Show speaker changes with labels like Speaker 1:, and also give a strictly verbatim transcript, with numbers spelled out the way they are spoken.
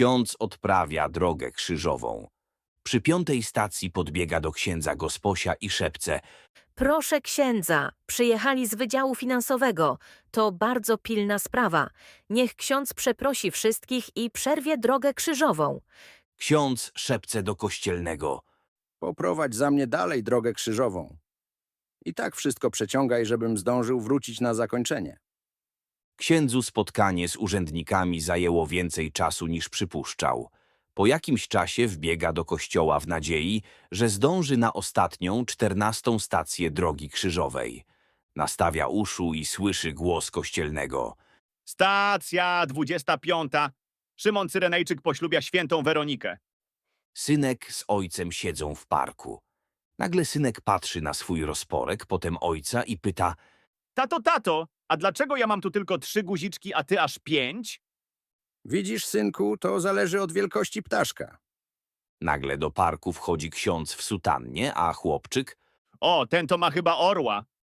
Speaker 1: Ksiądz odprawia drogę krzyżową. Przy piątej stacji podbiega do księdza gosposia i szepce:
Speaker 2: Proszę księdza, przyjechali z Wydziału Finansowego. To bardzo pilna sprawa. Niech ksiądz przeprosi wszystkich i przerwie drogę krzyżową.
Speaker 1: ksiądz szepce do kościelnego:
Speaker 3: Poprowadź za mnie dalej drogę krzyżową. I tak wszystko przeciągaj, żebym zdążył wrócić na zakończenie.
Speaker 1: Księdzu spotkanie z urzędnikami zajęło więcej czasu niż przypuszczał. Po jakimś czasie wbiega do kościoła w nadziei, że zdąży na ostatnią, czternastą stację drogi krzyżowej. Nastawia uszu i słyszy głos kościelnego.
Speaker 4: Stacja dwudziesta piąta. Szymon Cyrenejczyk poślubia świętą Weronikę.
Speaker 1: Synek z ojcem siedzą w parku. Nagle synek patrzy na swój rozporek, potem ojca i pyta:
Speaker 4: Tato, tato, a dlaczego ja mam tu tylko trzy guziczki, a ty aż pięć?
Speaker 3: Widzisz, synku, to zależy od wielkości ptaszka.
Speaker 1: Nagle do parku wchodzi ksiądz w sutannie, a chłopczyk:
Speaker 4: O, ten to ma chyba orła.